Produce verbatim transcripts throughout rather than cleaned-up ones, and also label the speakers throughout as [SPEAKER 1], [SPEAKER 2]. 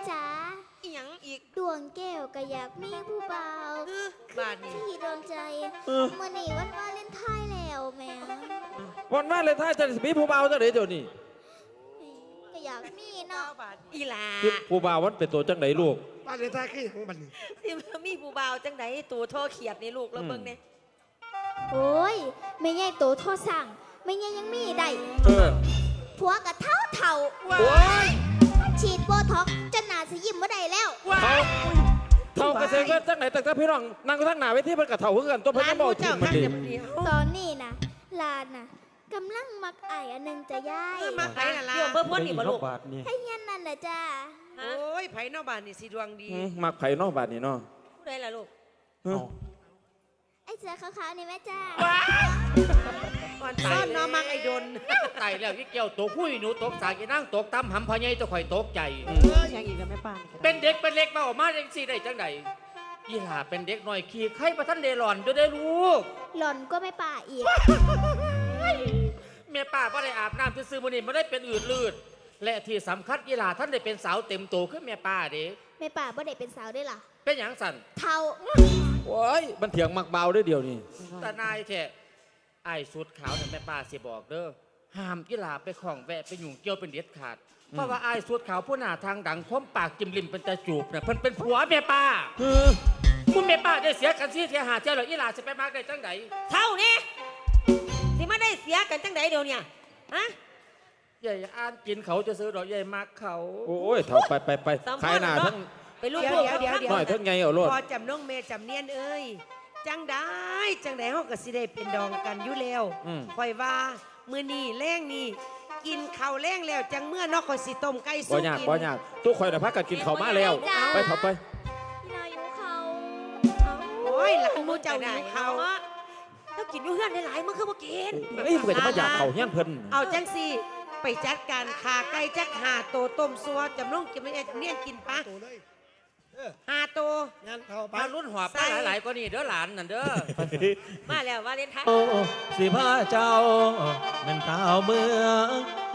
[SPEAKER 1] จ๋า
[SPEAKER 2] อีหยังอีก
[SPEAKER 1] ดวงแก้วก็อยากมีผู้บ่าว
[SPEAKER 2] บาดนี่
[SPEAKER 1] ที่ดวงใจมื่อนี้วันวาเลนไทน์แล้วแม่
[SPEAKER 3] วันมาเลยท่าจะมีผู้บ่าวจังไหนเดี๋ยวนี้
[SPEAKER 1] ก็อยากมีเนาะ
[SPEAKER 2] อีหลา
[SPEAKER 3] ผู้บ่าววันเป็นตัวจังไหนลูก
[SPEAKER 4] วาเลนไทน์คืออย่างบัดนี้
[SPEAKER 2] สิมีผู้บ่าวจังไหนตัวโทเขียดนี่ลูกแล้วเบิ่งเนี่ย
[SPEAKER 1] โอ้ยไม่ใหญ่โตโทสั่งไม่ใหญ่ยังมีได้ผัวกับเท่าเท่าฉีดโบท็อกจนหนาสิยิ้มไม่ได้แล้ว
[SPEAKER 3] เท่ากระเซ็งจังไหนแต่ถ้าพี่น้องนั่งทั้งหนาไว้ที่มันกระเท่าคือกันตัวเพิ่นบอกจริงมันดี
[SPEAKER 1] ตอนนี้นะลานน่ะกำลังมักไอ้อันนึงจะย้าย
[SPEAKER 2] มักไอ้น่ะล่ะเดี๋ยวเบิ่งพ่นนี่บ่ลูก
[SPEAKER 1] ให้ยันนั่นแหละจ้า
[SPEAKER 2] โอ้ยไผนอกบ้านนี่สิดวงดี
[SPEAKER 3] มักไผนอกบ้านนี่เนาะ
[SPEAKER 2] ผู้ใดล่ะลูก
[SPEAKER 1] ไอ้เสือขาวๆนี่แม่จ้า
[SPEAKER 2] ก่อนซ่อนน้อมักไอ้ดน
[SPEAKER 5] ไต่แล้วยี่เกี่ยวตกหุ้ยหนูตกสากีนั่งตกตั้มหำพอใหญ่ตัวข่อยตกใจ
[SPEAKER 2] อย่างอีกกับแม่ป้า
[SPEAKER 5] เป็นเด็กเป็นเล็กมาออกมาจังสี่ได้จังใดยี่หล่าเป็นเด็กหน่อยขี่ไข่ประทันเดหลอนด้วยได้ลูก
[SPEAKER 1] หล่อนก็ไม่ป่าอีก
[SPEAKER 5] แม่ป้าก็ได้อาบน้ำซื้อมือนี่มาได้เป็นอืดลืดและที่สำคัญยี่หล่าท่านได้เป็นสาวเต็มโตขึ้นแม่ป้าเด็ก
[SPEAKER 1] แม่ป่าบ่ได้เป็นสาวได้หรอ
[SPEAKER 5] เป็นอย่างสั่น
[SPEAKER 1] เท่า
[SPEAKER 3] โอ้ยมันเถียงมักเบาได้เดียวนี่
[SPEAKER 5] แต่นายแท้ไอ้สุดขาวเนี่ยแม่ป้าสิบอกเด้อห้ามกีฬาไปของแวะไปยุ่งเกี่ยวเป็นเด็ดขาดเพราะว่าไอ้สุดขาวผู้หน้าทางดังคมปากจิ้มลิ้มเป็นตาจูบเนี่ยเพิ่นเป็นผัวแม่ป้ามึงแม่ป้าได้เสียกันซี่เทียหาเจ้าหรออีหลาจะไปมากได้จังได
[SPEAKER 2] เท่านี้สิมาได้เสียกันจังไดเดี๋ยวเนี่ยฮะ
[SPEAKER 5] ใหญ่อ่านกินเขาจะซื้อดอกใหญ่มากเขา
[SPEAKER 3] โอ้ยเท่าไปไปไปขายหน้าทั้ง
[SPEAKER 2] ไปลูกเดี๋ยวเดี๋ยวเดี๋ยว
[SPEAKER 3] หน่อยทั้งไงเอาโลด
[SPEAKER 2] พอจำน้องเมย์จำเนียนเอ้ยจังได้จังได้เฮาก็สิได้เป็นดองกันอยู่แล้วค่อยว่ามื้อนี้แรงนี่กินข้าวแรงแล้วจังเมื่อนอกก็สิต้มไก่สุก
[SPEAKER 3] กินบ่ยากบ่ยากทุกคนน่ะพักกันกินข้าวมาแล้วไปเถอะไป
[SPEAKER 1] เราอยู่เขา
[SPEAKER 2] โอ้ยหลานมูเจ้าอยู่เขาแล้วกินอยู่เฮือนหลายๆมันคือบ่กิน
[SPEAKER 3] เอ้ยมึงจะมาอยากเข้าเฮียนเพิ่น
[SPEAKER 2] เอาจังสิไปจัดการขาไก่จักหาโตต้มซัวจำน้องกินไม่จำเนียนกินปะหาโต
[SPEAKER 5] งั้นเขาไปรุ่นหัวไปหลายๆกว่านี่เด้อหลานนั่นเด้อมาแล้วว่าเล่นท้าย
[SPEAKER 3] โอ้สิพาเจ้าเป็นเท้าเมือง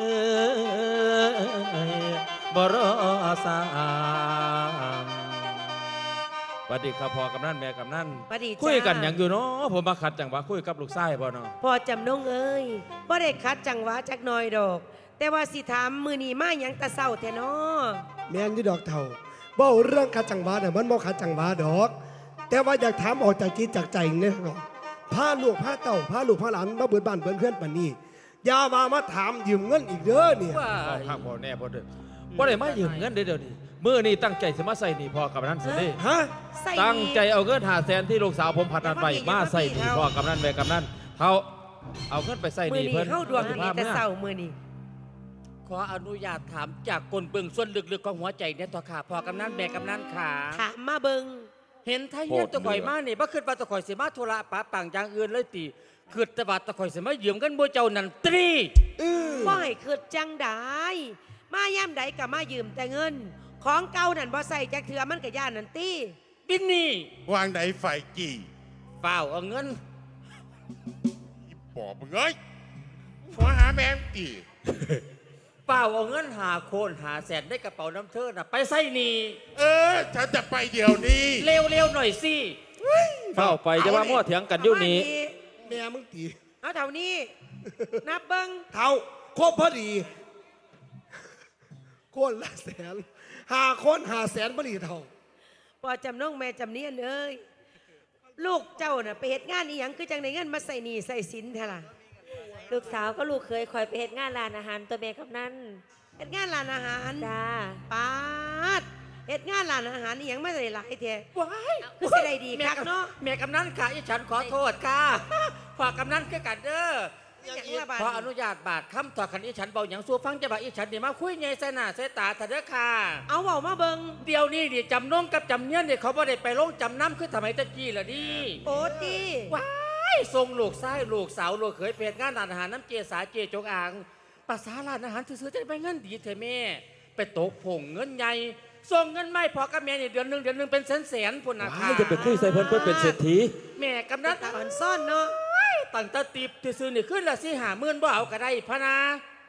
[SPEAKER 3] บรอสามสวัสดีครับพ่อกำนันแม่กำนันคุยกันอย่างอยู่เนาะผมมาขัดจังหวะคุยกับลูกชายพ่อเนาะ
[SPEAKER 2] พอจำน้องเอ้ยบ่ได้ขัดจังหวะจักหน่อยดอกแต่ว่าสิถามมือนีมาอย่างตะเศร้าแท้เนาะ
[SPEAKER 4] แม่นที่ดอกเท่าบ่เรื่องขัดจังหวะเนี่ยมันบ่ขัดจังหวะดอกแต่ว่าอยากถามออกจากจิตจากใจเนี่ยเนาะพาลูกพาเต่าพาลูกพาหลานมาเบิดบ้านเบิดเพื่อนปานนี้อย่ามามาถามยืมเงินอีกเด้อเนี่ย
[SPEAKER 3] พ่อพ่อแน่พ่อเด้อบ่ได้มายืมเงินเดี๋ยวนี้มื้อนี้ตั้งใจสิมาใส่หนี้พ่อกับนั้นสิเด้
[SPEAKER 4] ฮะ
[SPEAKER 3] ตั้งใจเอาเงินห้าแสนที่ลูกสาวผมผัดนันไปมาใส่หนี้พ่อกับนั้นแม่กับนั้นเฮาเอาเงินไปใส่หนี้เพิ่น
[SPEAKER 2] เฮาดวงดีแต่เศร้ามื้อนี้
[SPEAKER 5] ขออนุญาตถามจากกลเบื้องส่วนลึกๆของหัวใจเนี่ยต่อขาพ่อกำนันแม่กำนันขา
[SPEAKER 2] ถามมาเบิ่ง
[SPEAKER 5] เห็นไทยเฮียนตะข่อยมานี่บ่คิดว่าตะข่อยสิมาธุระปะปังอย่างอื่นเลยติคิดแต่ว่าตะข่อยสิมายืมกันบ่เจ้านั่นตรี
[SPEAKER 2] บ่ให้คิดจังได๋มายามใดก็มายืมแต่เงินของเก่านั่นบ่ใส่จักเทื่อมันก็ย่านนั่นติ
[SPEAKER 5] บินนี่
[SPEAKER 6] วางไหนไฟกี่
[SPEAKER 5] เฝ้าเอาเงิน
[SPEAKER 6] อีปอบมึงเอ้ยหัวหาแม่งกี่
[SPEAKER 5] เฝ้าเอาเงินหาโคนหาแสนได้กระเป๋าน้ำเธอน่ะไปใส่นี่
[SPEAKER 6] เออฉันจะไปเดี๋ยวนี้
[SPEAKER 5] เร็วๆหน่อยสิ
[SPEAKER 3] เฝ้าไปจะว่ามั่วเถียงกันอยู่นี่
[SPEAKER 4] แม่มึงตี
[SPEAKER 2] เอาเท่านี้นับเบิ้ง
[SPEAKER 4] เท่าครบพอดีคนละแสนหาคนหาแสนพอดีเท่า
[SPEAKER 2] พอจำน้องแม่จำเนียนเอ้ยลูกเจ้าน่ะไปเหตุงานอีหยังคือจังในเงินมาใส่หนี้ใส่สินเท่าล่ะลูกสาวก็ลูกเคยคอยไปเหตุงานร้านอาหารตัวแม่กับนั่นเหตุงานร้านอาหารจ้าป้าดเหตุงานร้านอาหารอีหยังไม่ได้หลายเท่
[SPEAKER 5] ว้าย
[SPEAKER 2] ก็สิได้ดีครับเนาะ
[SPEAKER 5] แม่กำนันค่ะอีฉันขอโทษค่ะฝากกำนันคือกันเด้อขออนุญาตบาทคำต่อคันอีฉันเบาอย่างสู้ฟังจะบาอีฉันเดี๋ยวมาคุยไงใส่หน้าใส่ตาเถอะเด้อค่ะ
[SPEAKER 2] เอาเบามาเบิ้ง
[SPEAKER 5] เดี๋ยวนี้ดิจำน้องกับจำเนียนเดี๋ยวเขาบ่ได้ไปลงจำน้ำคือทำไมตะกี้ล่ะดิ
[SPEAKER 2] โอ้ตี
[SPEAKER 5] ว้ายส่งลูกไส้ลูกสาวลูกเขยเป็นงานร้านอาหารน้ำเจสาเจจงอ่างภาษาร้านอาหารซื้อจะไปเงินดีเถอะแม่ไปตกผงเงินใหญ่ส่งเงินไม่พอกับแม่เนี่ยเดือนหนึ่งเดือนหนึ่งเป็นแสนแสนพุ่นนะคะ
[SPEAKER 3] จะไปคุยใส่เพิ่นเพิ่นเป็นเศรษฐี
[SPEAKER 5] แม่กำนัน
[SPEAKER 2] อ่อนซ่อนเนาะ
[SPEAKER 5] ตั้งตาตีบซื้อเนี่ยขึ้นละสิหาหมื่นบ่เอาก็ได้พะนา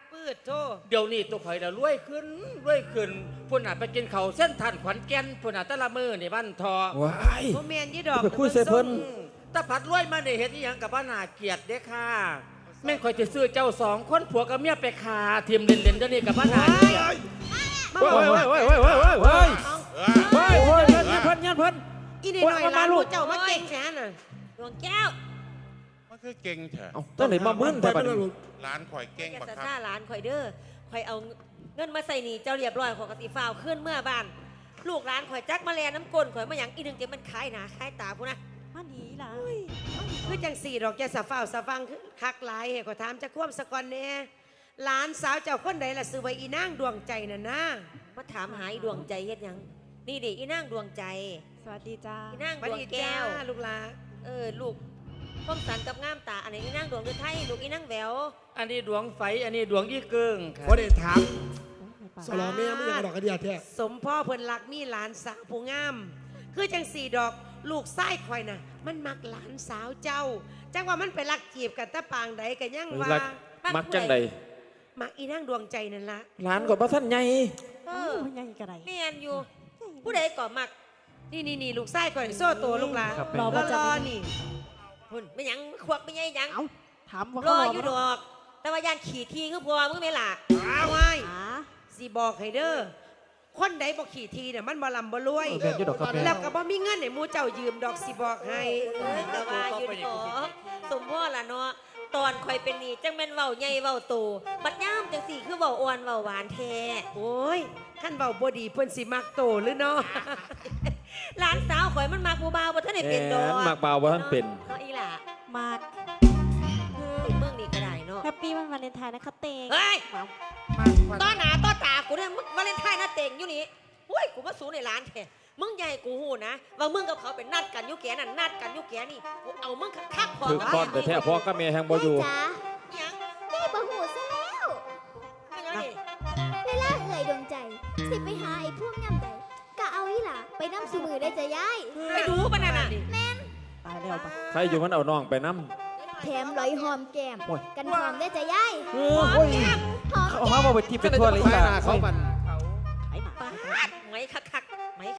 [SPEAKER 2] ปืดโท
[SPEAKER 5] เดี๋ยวนี้ตัวข่อยเดี๋ยวรวยขึ้นรวยขึ้นพุ่นน่ะไปกินเขาวเส้นทันขวัญแก่นพุ่นน่ะแตะละมือนี่บ้านทอ
[SPEAKER 3] ว้าย
[SPEAKER 2] โมเมนยี่ดอก
[SPEAKER 3] ไปคุยใส่เพิ่น
[SPEAKER 5] อืมถ้าผัดรวยมาได้เห็นอหยังกับบ้านนาเกียรติเด้อค่ะแม่งข่อยจะซื้อเจ้าสองคนผัวกับเมียไปขาทีมเล่นๆเดี๋ยวนี้กับบ้านนาเกียรติ
[SPEAKER 3] เว้ยเว้ยเว้ยเว้ยเว้ยเว้ยเว้ย
[SPEAKER 6] เออ
[SPEAKER 3] เว้ยเว้ยเว้ยเพิ่นยันเพิ่น
[SPEAKER 2] อีนี่หน่อยร้านลูกเจ้ามาเก่งแค่น่ะ
[SPEAKER 7] ดวงแก้ว
[SPEAKER 6] มันคือเก่งเถอะ
[SPEAKER 3] เอ้าตั้งไหนมามึนแต่บัดนี้
[SPEAKER 6] ร้านข่อยเก่ง
[SPEAKER 7] แก
[SPEAKER 6] บัก
[SPEAKER 7] จะ
[SPEAKER 6] ครั
[SPEAKER 7] ซ่า
[SPEAKER 6] บ
[SPEAKER 7] หลานข่อยเด้อข่อยเอาเงินมาใส่หนีเจ้าเรียบร้อยข่อยกติฟ้าวขึ้นเมื่อบ้าน ลูกหลานข่อยจักมาแลน้ำกลนข่อยมาหยังอีหนึงเดี๋ยวมันคายหนาคายตาพูนะมาหนีล่ะ
[SPEAKER 2] คือจังสี่ดอกแกสะฟ้าวสะฟังคือคักหลายให้ขอถามจะควมสะกอนแน่หลานสาวเจ้าคนใดล่ะซื้อไว้อีนางดวงใจน่ะนะ
[SPEAKER 7] มาถามหาอีดวงใจเฮ็ดหยังนี่เด็กอีนางดวงใจ
[SPEAKER 8] สวัสดีจ้า
[SPEAKER 7] อีนาง
[SPEAKER 2] บั
[SPEAKER 7] ด
[SPEAKER 2] ด
[SPEAKER 7] วง
[SPEAKER 2] นี้
[SPEAKER 7] แก้
[SPEAKER 2] จ้าว ลูกหลาน
[SPEAKER 7] เออลูกคมสันกับงามตาอันไหนอีนางดวงเดือไทยลูกอีนางแหวว
[SPEAKER 5] อันนี้ดวงไฟอันนี้ดวงยี่เกิงค่ะ
[SPEAKER 4] บ่ได้ถามสลอแม่ไม่อยากกระดอกกระเดียแท้
[SPEAKER 2] สมพ่อเพิ่นรักมีหลานสาวผู้งาม คือจังสี่ดอกลูกไส้คอยน่ะ มันมักหลานสาวเจ้า จังว่ามันไปรักจีบกันตะปางใดกันยังว่า
[SPEAKER 3] รักมักจังใด
[SPEAKER 2] มักอีนางดวงใจนั่นละ
[SPEAKER 3] ร้านก็บ่ทันใหญ่
[SPEAKER 7] เอ
[SPEAKER 8] เอ
[SPEAKER 7] อ
[SPEAKER 8] อยังกระไร
[SPEAKER 7] เมียนอยู่ ผู้ใดก่อมัก
[SPEAKER 2] นี่นี่นี่ลูกไส้คอยโซ่ตัวลูกหลาน
[SPEAKER 3] ครับ
[SPEAKER 2] รอ
[SPEAKER 8] รอ
[SPEAKER 2] รอนี่
[SPEAKER 7] หุ่นไม่หยังควักไม่ใหญ่หยัง
[SPEAKER 8] เอ้าถามว่า
[SPEAKER 7] ร
[SPEAKER 8] เขา
[SPEAKER 7] อ
[SPEAKER 8] รอ
[SPEAKER 7] อยู่ดอก แต่ว่ายานขี่ทีคือพัวมึงไม่ล่ะ
[SPEAKER 2] อ้าวไว้
[SPEAKER 8] หา
[SPEAKER 2] สิบอกให้เด้อคนใดบอกขี่ทีเนี่ยมันบ่ลำบ่รวย
[SPEAKER 3] เออแม่นอยู่ดอกครับแม่
[SPEAKER 2] แล้วก็บ่มีเงินให้หมูเจ้ายืมดอกสิบอกให้
[SPEAKER 7] เอ้ยแต่ว่าอยู่ดอกสมพ่อล่ะเนาะตอนคอยเป็นหนี่จังแม่นเว้าใหญ่เว้าโตบัดย่ามจังสี่คือเว้าอ่อนเว้าหวานแท้
[SPEAKER 2] โอ้ยขั้นเบาบ่ดีเพิ่นสิมักโตหรือเนาะ
[SPEAKER 7] หลานสาวข่อยมันมักผู้บ่าวบ่ทันได้เป็นดอก
[SPEAKER 3] แม่นมักบ่าวบ่ทันเป็น
[SPEAKER 7] เนาะอีหล่ะ
[SPEAKER 8] มาก
[SPEAKER 7] เมืองนี่ก็ได้เนาะ
[SPEAKER 8] แฮปปี้วันวาเลนไทน์นะคะเตง
[SPEAKER 7] เฮ้ย
[SPEAKER 8] ว้าว
[SPEAKER 7] ต้อหน้าต้อตากูเนี่ยมึงวาเลนไทน์หน้าเต็งอยู่นี่อุ้ยกูมาสูในร้านแท้มึงใหญ่กูหูนะว่ามึงกับเขาเป็นนัดกันอยุแกนั่นนัดกันอยุแกนี่กูเอามึงคักๆพอ
[SPEAKER 3] ถึกก้อนแต่แท้พ่อกับแม่แห่งบ่อยู่
[SPEAKER 1] แม่จ๋า
[SPEAKER 7] ยัง
[SPEAKER 1] แม่บ่หูซะแล้ว
[SPEAKER 7] ไม่ยังนี่
[SPEAKER 1] เวลาเอ่ยดวงใจ สิไปหาไอ้พวกย่ำใดก็เอาอีหล่ะไปน้ำสูมือได้จะย้าย
[SPEAKER 7] ไปดูปะนั่นน่ะ
[SPEAKER 8] ตายแล้วปะ
[SPEAKER 3] ใครอยู่มันเอาน้องไปนำ
[SPEAKER 1] แถมร้อยหอมแก้ม
[SPEAKER 3] โอ้ย
[SPEAKER 1] กันหอมได้จะย้าย
[SPEAKER 3] เออโอ้ย
[SPEAKER 1] หอม
[SPEAKER 3] เอามาบ่ไปที่เป็นทั่วเลยอีหล่ะ
[SPEAKER 8] ไอ้หมา
[SPEAKER 7] ปาดไหมคักๆไหม